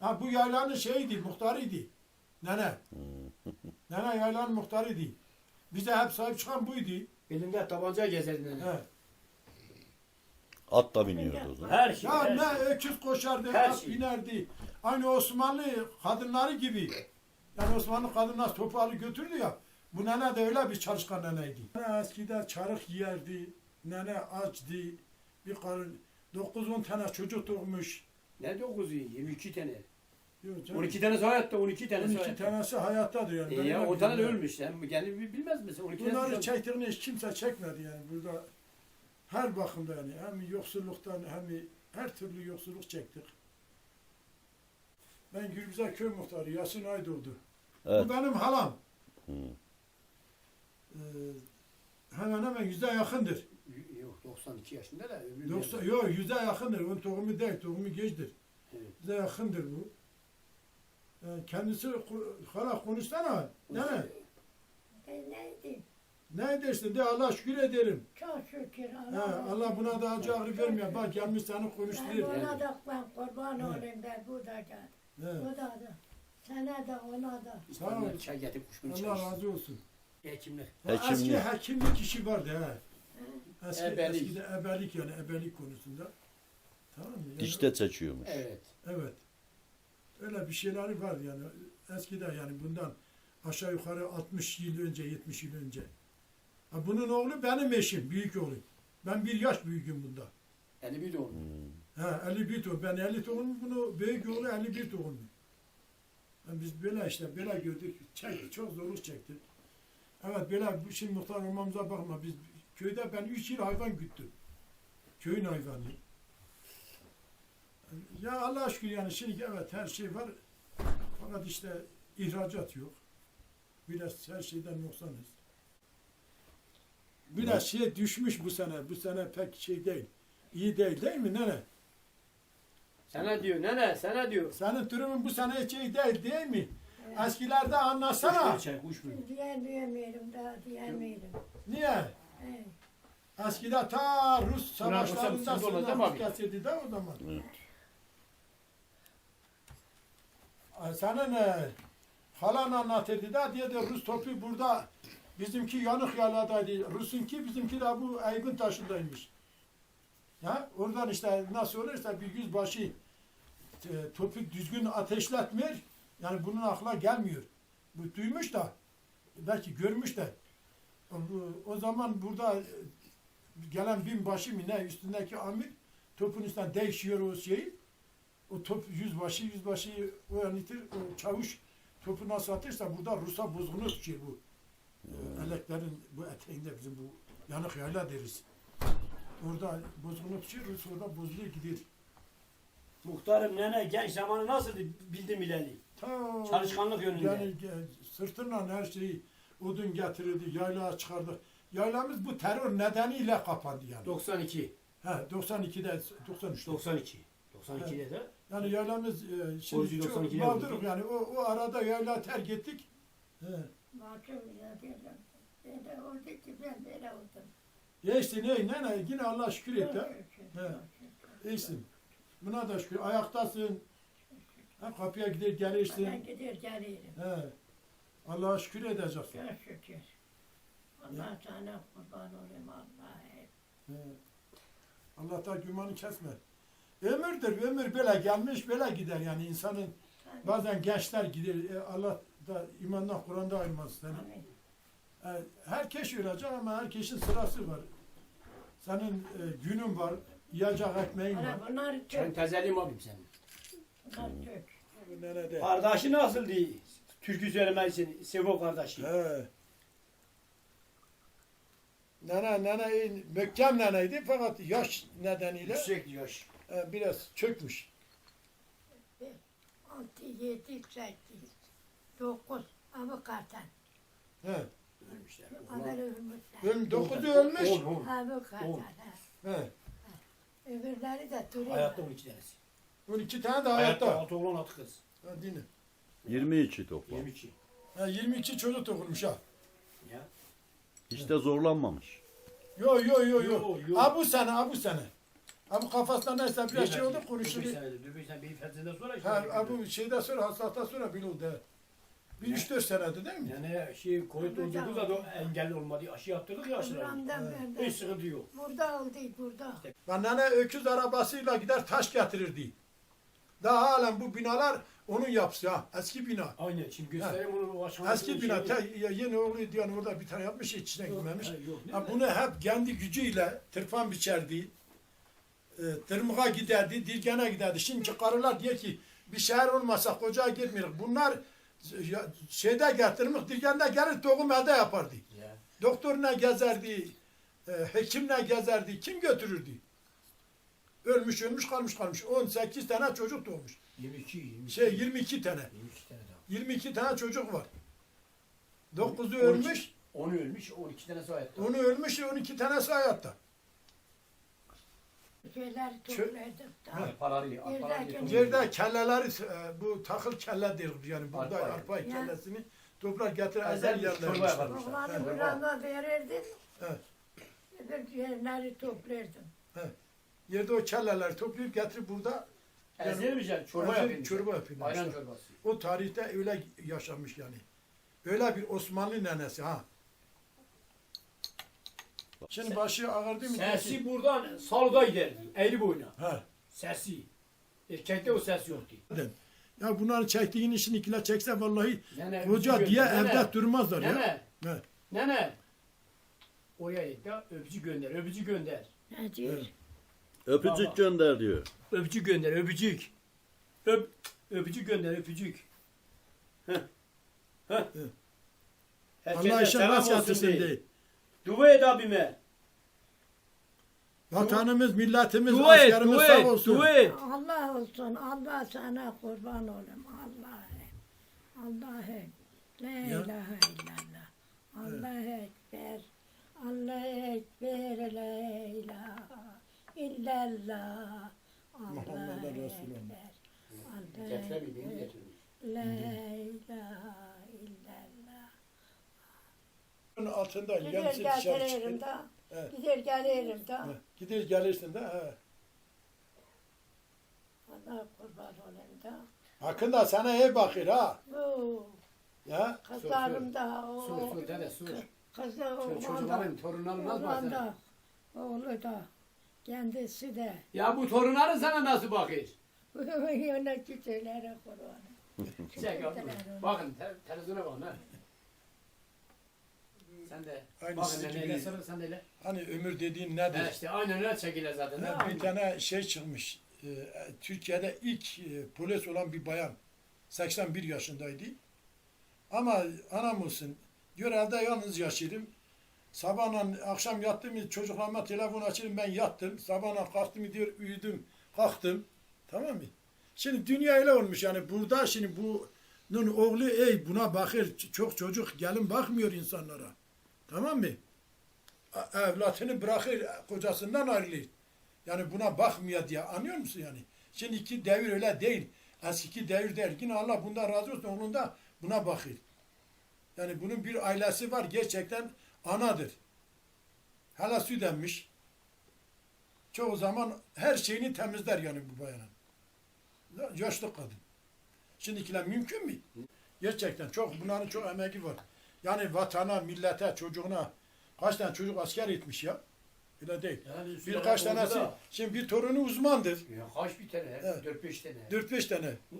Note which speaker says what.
Speaker 1: Ha bu yaylanın şeyiydi, muhtarıydı. Nene. Nene yaylanın muhtarıydı. Bize hep sahip çıkan buydu.
Speaker 2: Elinde tabanca gezerdi nene.
Speaker 1: He.
Speaker 3: At da biniyordu o zaman.
Speaker 2: Her şey.
Speaker 1: Ya
Speaker 2: her
Speaker 1: ne
Speaker 2: şey.
Speaker 1: öküz koşardı,
Speaker 2: Her
Speaker 1: at
Speaker 2: şey.
Speaker 1: binerdi. Aynı Osmanlı kadınları gibi. Yani Osmanlı kadınlar topu alıp götürdü ya. Bu nene de öyle bir çalışkan neneydi. Nene eskiden çarık yerdi. Nene açtı. Bir karın 9-10 tane çocuk doğmuş.
Speaker 2: Ne 9'u? 22 tane.
Speaker 1: Yok canım.
Speaker 2: 12 tanesi hayatta, 12 tanesi
Speaker 1: 12
Speaker 2: hayatta.
Speaker 1: tanesi hayattadır yani. Ben
Speaker 2: Ya
Speaker 1: öyle
Speaker 2: o tane de
Speaker 1: biliyorum.
Speaker 2: ölmüş. Sen kendi bilmez misin? 12
Speaker 1: Bunları
Speaker 2: tanesi
Speaker 1: çektiğini hiç kimse çekmedi yani burada. Her bakımda yani hem yoksulluktan hem her türlü yoksulluk çektik. Ben Gülbüze köy muhtarı Yasin Aydoğdu.
Speaker 3: Evet.
Speaker 1: Bu benim halam.
Speaker 3: Hı.
Speaker 1: Hemen hemen 100'e yakındır.
Speaker 2: Yok 92 yaşında da öbür
Speaker 1: 90, yok 100'e yakındır. Onun tohumu değil, tohumu geçtir.
Speaker 2: Evet.
Speaker 1: 100'e yakındır bu. Kendisi hala konuşsana. Ne?
Speaker 4: Neydi?
Speaker 1: Ne dersin de Allah şükür ederim.
Speaker 4: Çok şükür
Speaker 1: He, Allah buna da acı ağrı vermiyor. Bak gelmiş seni
Speaker 4: Ben
Speaker 1: konuşturuyor.
Speaker 4: ona da ben kurban
Speaker 1: He.
Speaker 4: olayım ben bu da gel.
Speaker 1: He.
Speaker 4: Bu da. Sana da ona da.
Speaker 1: Sağ ol.
Speaker 2: İstanbul'dan çay getirip kuşkunu
Speaker 1: Allah
Speaker 2: çay.
Speaker 1: razı olsun.
Speaker 2: Hekimlik.
Speaker 1: Eski
Speaker 3: Hekimlik.
Speaker 1: hekimlik işi vardı he.
Speaker 2: Ebelik.
Speaker 1: Eskide ebelik yani ebelik konusunda. Tamam mı? Yani,
Speaker 3: Dişte seçiyormuş.
Speaker 2: Evet.
Speaker 1: evet. Öyle bir şeyleri var yani. Eskiden yani bundan aşağı yukarı 60 yıl önce, 70 yıl önce. Ha, bunun oğlu benim eşim, büyük oğlum. Ben bir yaş büyüğüm bunda.
Speaker 2: 51 doğumlu.
Speaker 1: Ha, 51 doğum. Ben 50 doğumluyum, bunu büyük oğlu 51 doğumlu. Yani biz böyle işte böyle gördük, çektik, çok zorluk çektik. Evet böyle şimdi muhtar olmamıza bakma. Biz köyde ben 3 yıl hayvan güttüm. Köyün hayvanı. Ya Allah'a şükür yani şimdi evet her şey var. Fakat işte ihracat yok. Biraz her şeyden noksanız. Biraz şey düşmüş bu sene. Bu sene pek şey değil. İyi değil mi nene?
Speaker 2: Sana diyor nene sana diyor.
Speaker 1: Senin durumun bu sene hiç iyi değil mi? Eskilerde anlasana.
Speaker 2: Kuşkunu çay kuşkunu.
Speaker 4: Diyemiyorum daha diyemiyorum.
Speaker 1: Niye?
Speaker 4: He.
Speaker 1: Eskide ta Rus
Speaker 2: Buna
Speaker 1: savaşlarında
Speaker 2: sıkıntı olmaz değil mi
Speaker 1: sınırlar
Speaker 2: abi?
Speaker 1: kesildi de o zaman.
Speaker 3: Evet.
Speaker 1: Senin halan anlatırdı da diye de Rus topu burada bizimki yanık yaladaydı. Rus'unki bizimki de bu Aygın taşındaymış. Ya oradan işte nasıl olursa bir yüzbaşı topu düzgün ateşletmiyor. Yani bunun aklına gelmiyor. Bu duymuş da belki görmüş de o zaman burada gelen binbaşı mı ne üstündeki amir topun üstünden değişiyor o şeyi. O top yüzbaşıyı öğretir, o çavuş topu nasıl atırsa burada Rus'a bozgunu tutuyor bu. Eleklerin bu eteğinde bizim bu yanık yayla deriz. Orada bozgunu tutuyor, Rus orada bozuluyor gidiyor.
Speaker 2: Muhtarım nene genç zamanı nasıl bildim ileri.
Speaker 1: Ta,
Speaker 2: Çalışkanlık yönünde.
Speaker 1: Yani sırtından her şeyi odun getirirdi, yaylaya çıkardı. Yaylamız bu terör nedeniyle kapandı yani.
Speaker 2: 92.
Speaker 1: He, 92'de, 93'te.
Speaker 2: 92. 92'de de.
Speaker 1: Yani yaylamız şimdi
Speaker 2: Borcu
Speaker 1: çok
Speaker 2: 92'de
Speaker 1: mağdurum
Speaker 2: vurdu.
Speaker 1: yani o arada yayla terk ettik. He.
Speaker 4: Bakım ya dedim. Ben de oldu ki ben böyle oldum.
Speaker 1: Ya işte ne yine Allah şükür et
Speaker 4: Çok
Speaker 1: de.
Speaker 4: şükür,
Speaker 1: He.
Speaker 4: çok şükür.
Speaker 1: İyisin. Buna da şükür. Ayaktasın. Ha, kapıya gider gelirsin.
Speaker 4: Ben gider gelirim.
Speaker 1: He. Allah'a şükür edeceksin.
Speaker 4: Çok şükür. Allah sana kurban olayım Allah'a.
Speaker 1: He. Allah'tan gümanı kesme. Ömürdür, ömür böyle gelmiş, böyle gider yani insanın bazen gençler gider, Allah da imandan, Kur'an'da ayırmaz seni.
Speaker 4: Amin.
Speaker 1: Herkes ölecek ama herkesin sırası var. Senin günün var, yiyecek ekmeğin var.
Speaker 4: Ana bunlar
Speaker 2: Ben
Speaker 4: Türk.
Speaker 2: tezelim abim senin.
Speaker 4: Bunlar Türk.
Speaker 1: Nerede?
Speaker 2: Kardeşi nasıl değil? Türkü söylemezsin. Sevo kardeşi.
Speaker 1: He. Nene mökkem neneydi fakat yaş nedeniyle
Speaker 2: Yüksek yaş.
Speaker 1: biraz çökmüş.
Speaker 4: 6, 7, 8, 9 avukatan.
Speaker 1: He.
Speaker 2: Ölmüşler.
Speaker 4: Haber ölmüşler.
Speaker 1: 9'u ölmüş.
Speaker 2: 10.
Speaker 4: Avukatan.
Speaker 1: He.
Speaker 4: Öbürleri de duruyor.
Speaker 2: Hayatta 12 tanesi.
Speaker 1: 12 tane de
Speaker 2: Hayatta
Speaker 1: hayatta.
Speaker 2: 6 oğlan 6 kız.
Speaker 1: Ha, dinle.
Speaker 3: 22 toplam.
Speaker 2: 22.
Speaker 1: 22 çocuk doğurmuş ha.
Speaker 2: Ya.
Speaker 3: Hiç de zorlanmamış.
Speaker 1: Yo.
Speaker 2: Yo, yo.
Speaker 1: Ha bu sene. Ama kafasında neyse bir şey oldu
Speaker 2: Bir
Speaker 1: konuşuluyor.
Speaker 2: senedir. Bir sene bir fetheden sonra işte.
Speaker 1: Ha, bu şeyden sonra hastalıktan sonra bilildi. Bir 3-4 senedir değil mi?
Speaker 2: Yani şey Covid oldu da engelli olmadı. Aşı yaptırdık ya aşıları.
Speaker 4: Buramdan
Speaker 2: Hiç
Speaker 4: verdi.
Speaker 2: sıkıntı yok.
Speaker 4: Burada oldu, burada.
Speaker 1: Ben nene öküz arabasıyla gider taş getirirdi. Daha halen bu binalar onun yapısı ha. Eski bina.
Speaker 2: Aynen şimdi göstereyim onu o aşamasını.
Speaker 1: Eski bina. Yeni oğlu yani orada bir tane yapmış içine girmemiş.
Speaker 2: Yok,
Speaker 1: Ha, bunu hep kendi gücüyle tırpan biçerdi. Tırmığa giderdi, dirgene giderdi. Şimdi karılar diyor ki bir şehir olmasa koca girmiyor. Bunlar şeyde getirmiş, dirgende gelir tohum elde yapardı.
Speaker 2: Ya.
Speaker 1: Doktoruna gezerdi, hekimle gezerdi. Kim götürürdü? Ölmüş kalmış. 18 tane çocuk doğmuş.
Speaker 2: 22
Speaker 1: 22 tane.
Speaker 2: 22 tane daha.
Speaker 1: 22 tane çocuk var. 9'u
Speaker 2: 12.
Speaker 1: ölmüş,
Speaker 2: 10'u ölmüş, 12 tanesi hayatta.
Speaker 1: 10'u ölmüş, 12 tanesi hayatta.
Speaker 4: Şeyler topladık da.
Speaker 2: Paraları,
Speaker 4: Yerdeki-
Speaker 1: Yerde kelleleri, bu takıl kelle deriz yani buğday,
Speaker 2: Arpa.
Speaker 1: arpa
Speaker 4: Ya.
Speaker 1: kellesini toprak getirir,
Speaker 2: Ezel
Speaker 1: ezel
Speaker 2: bir
Speaker 1: yerler.
Speaker 2: çorba yaparmış.
Speaker 4: Oğlanı burama verirdim.
Speaker 1: Evet.
Speaker 4: Öbür yerleri toplardım.
Speaker 1: Yerde o kelleleri toplayıp getirip burada
Speaker 2: Ezilmiş yani çorba
Speaker 1: ezel
Speaker 2: yapıyormuş.
Speaker 1: çorba yapıyorlar
Speaker 2: Ayran
Speaker 1: işte.
Speaker 2: çorbası.
Speaker 1: O tarihte öyle yaşamış yani. Öyle bir Osmanlı nenesi ha. Şimdi başı ağırdı mı?
Speaker 2: Sesi buradan salga giderdi. Eğri boyuna.
Speaker 1: Ha.
Speaker 2: Sesi. Erkekte o ses yoktu.
Speaker 1: Ya bunların çektiğin işini ikiler çekse vallahi
Speaker 2: Nene,
Speaker 1: hoca
Speaker 2: öpücü
Speaker 1: diye
Speaker 2: gönder.
Speaker 1: evde durmazlar ya.
Speaker 2: Nene.
Speaker 1: Evet.
Speaker 2: Nene. Oraya git ya öpücü gönder. Öpücü gönder.
Speaker 4: Ne diyor?
Speaker 1: Evet.
Speaker 3: Öpücük
Speaker 2: Baba.
Speaker 3: gönder diyor.
Speaker 2: Öpücük gönder. Öpücük. Öpücük gönder. Öpücük. Heh. Heh.
Speaker 1: Evet.
Speaker 2: Herkese
Speaker 1: Allah işe
Speaker 2: selam
Speaker 1: rast
Speaker 2: olsun
Speaker 1: yatırsın
Speaker 2: diye.
Speaker 1: diye.
Speaker 2: Dua et abime.
Speaker 1: Vatanımız, milletimiz,
Speaker 2: Dua et.
Speaker 1: askerimiz
Speaker 2: Dua
Speaker 1: sağ
Speaker 2: et.
Speaker 1: olsun.
Speaker 2: Dua et.
Speaker 4: Allah olsun, Allah sana kurban olayım. Allah'ım. La
Speaker 1: Ya.
Speaker 4: ilahe illallah. Allah ekber. Allah ekber. La ilahe illallah.
Speaker 1: Muhammed
Speaker 4: Allah
Speaker 1: Resulullah.
Speaker 4: ekber. Allah
Speaker 2: Getiremeydi,
Speaker 4: ekber.
Speaker 2: getirmiş.
Speaker 4: La ilahe illallah.
Speaker 1: Bunun altında
Speaker 4: Gider
Speaker 1: gemisi dışarı
Speaker 4: gelirim
Speaker 1: çıkıyor.
Speaker 4: da.
Speaker 1: Evet.
Speaker 4: Gider gelirim da.
Speaker 1: Evet. Gider gelirsin de. He.
Speaker 4: Allah kurban olayım da.
Speaker 1: Hakkında sana iyi bakır ha.
Speaker 4: Bu
Speaker 1: Ya.
Speaker 4: kızlarım da.
Speaker 2: Sur dede sur.
Speaker 4: Kızı oğlan da.
Speaker 2: Çocukların torunların nasıl
Speaker 4: Oğlan
Speaker 2: bakar?
Speaker 4: da. Oğlu da. Kendisi de.
Speaker 2: Ya bu torunların sana nasıl bakıyor?
Speaker 4: Yöneticileri kurbanı.
Speaker 2: Çek abi. Bakın televizyona bakın ha. Sen de
Speaker 1: Aynı
Speaker 2: bakın
Speaker 1: sizin
Speaker 2: neyle
Speaker 1: gibi.
Speaker 2: sarıl sen de öyle.
Speaker 1: Hani ömür dediğin nedir?
Speaker 2: Ha işte aynen öyle çekilir zaten.
Speaker 1: Ha,
Speaker 2: Ha,
Speaker 1: bir tane şey çıkmış. Türkiye'de ilk polis olan bir bayan. 81 yaşındaydı. Ama anam olsun. Diyor evde yalnız yaşıyorum. Sabahla akşam yattım çocuklarıma telefon açayım ben yattım. Sabahla kalktım diyor uyudum kalktım. Tamam mı? Şimdi dünya öyle olmuş yani burada şimdi bunun oğlu buna bakır çok çocuk gelin bakmıyor insanlara. Tamam mı? Evlatını bırakır kocasından ayrılır. Yani buna bakmıyor diye anlıyor musun yani? Şimdiki devir öyle değil. Eskiki devir değil. Yine Allah bundan razı olsun onun da buna bakır. Yani bunun bir ailesi var gerçekten anadır. Hala süt emmiş. Çoğu zaman her şeyini temizler yani bu bayanın. Yaşlı kadın. Şimdikiler mümkün mü? Gerçekten çok bunların çok emeği var. Yani vatana, millete, çocuğuna kaç tane çocuk asker etmiş ya. Öyle değil.
Speaker 2: Yani
Speaker 1: Birkaç
Speaker 2: oldu
Speaker 1: tanesi,
Speaker 2: da.
Speaker 1: şimdi bir torunu uzmandır.
Speaker 2: Ya kaç bir tane?
Speaker 1: Evet.
Speaker 2: 4-5 tane.
Speaker 1: 4-5 tane.